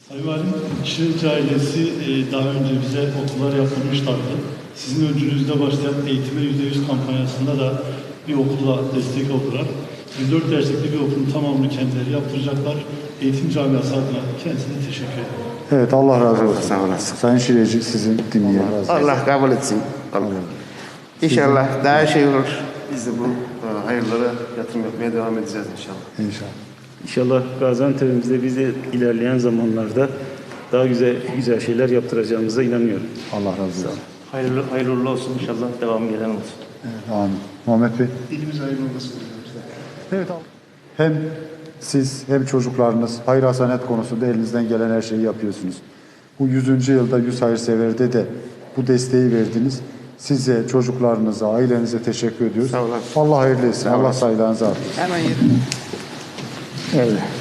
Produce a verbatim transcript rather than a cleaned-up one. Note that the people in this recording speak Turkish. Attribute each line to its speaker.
Speaker 1: Sayın Valim, Şirince ailesi e, daha önce bize okullar yaptırmışlardı. Sizin öncülüğünüzde başlayan Eğitime yüzde yüz kampanyasında da bir okula destek oldular. yüz dört derslikli bir okulun tamamını kendileri yaptıracaklar. Eğitim camiası adına kendisine teşekkür ederim.
Speaker 2: Evet, Allah razı olsun.
Speaker 3: Sağ olasın.
Speaker 2: Sayın Şireci sizin dinleyelim.
Speaker 3: Allah kabul etsin. Allah. İnşallah daha şey olur. Biz de bu e, hayırlara yatırım yapmaya devam edeceğiz inşallah.
Speaker 2: İnşallah.
Speaker 4: İnşallah Gaziantep'imizde bize ilerleyen zamanlarda daha güzel güzel şeyler yaptıracağımıza inanıyorum.
Speaker 2: Allah razı olsun.
Speaker 5: Hayırlı, hayırlı olsun inşallah. Devam gelen olsun.
Speaker 2: Evet, amin. Muhammed Bey.
Speaker 1: Dilimiz hayırlı olmasın.
Speaker 2: Evet. Hem siz hem çocuklarınız hayır hasanet konusunda elinizden gelen her şeyi yapıyorsunuz. Bu yüzüncü yılda yüz hayırseverde de bu desteği verdiniz. Size, çocuklarınıza, ailenize teşekkür ediyoruz.
Speaker 3: Sağ olun.
Speaker 2: Allah hayırlı etsin.
Speaker 3: Sağ
Speaker 2: Allah
Speaker 3: olasın.
Speaker 2: sayılarınızı artırsın.
Speaker 3: Hemen yürü.
Speaker 4: Evet.